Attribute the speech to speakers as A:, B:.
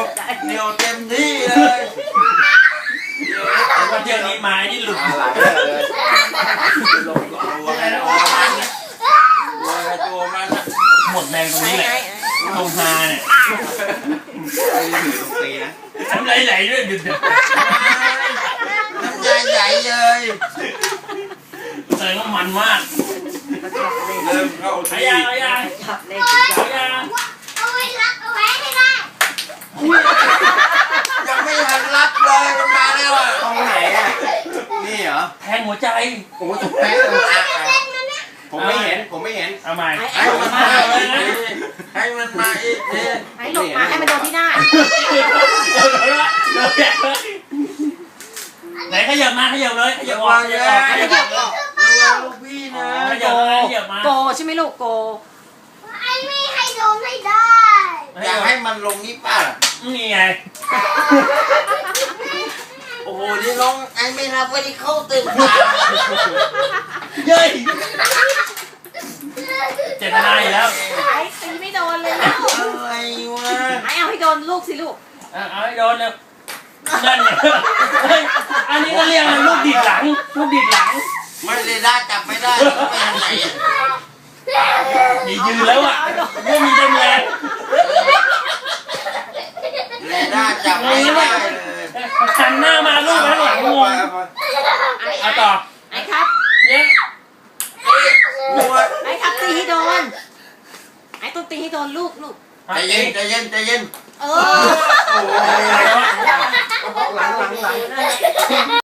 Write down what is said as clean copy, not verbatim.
A: เดียวเต็มที่เลย
B: ว่าเที่ยวนี้ไม้นี่หลุด
A: ลงตัวไงตัวมันเนี่ยตัวมันอะ
B: หมดแรงตรงนี้แหละตรงฮาเนี่ย
A: ตีนะ
B: ทำไรไหลด้วยดึก
A: น้ำใจใหญ่เลย
B: แสดงว่ามันมาก
A: เริ่มเข้าที่
B: ยังยัง
C: เอาไว้รักเอาไว้ให้ได้
A: ยังไม่ทันรับเลยมันมาแล้วอ่ะตรงไหนอ่ะนี่เหรอ
B: แทงหัวใจ
A: โอ้ถูกแพ้ตรงอ่ะผมไม่เห็น
B: เอาใหม่
A: ให้มันมาอีกให้มันมาอีก
C: ให้หลบมาให้มันโดนที่หน้า
B: ไหนขยับมาขยับเลยขยับออกขยับออก
A: ลูกพี่นะ
B: ขยับมา
C: โกใช่ไหมลูกโกไอ้ไม่ให้โดนไม่ได้
A: อยากให้มันลงนี่ป่ะ
B: นี่ไง
A: โอ้โหนี่น้องไอ้ไม่รับวันนี้เข้าตึก
B: เย้ยเจตนาอยู่แล้ว
C: ไอ้ตีไม่โดนเลยแล้ว
A: อะไรวะ
C: ไอ้เอาให้โดนลูกสิลูก
B: เอาให้โดนเลยนั่นไงอันนี้ก็เรียกลูกดิดหลัง
A: ไม่เลยได้จับไม่ได้ไม่ทำไหน
B: นี่ยืนแล้วอ่ะไม่มีเต็มแรง
A: เลยได้จับไม่ได้เลย
B: หันหน้ามาลูกข้างหลังงงเอาต่อ
C: ไอ้ครับ
B: เนี่ย
C: ไอ้ครับตีให้โดนไอ้ต้องตีให้โดนลูก
A: ใจเย็น
C: โอ้
A: หลัง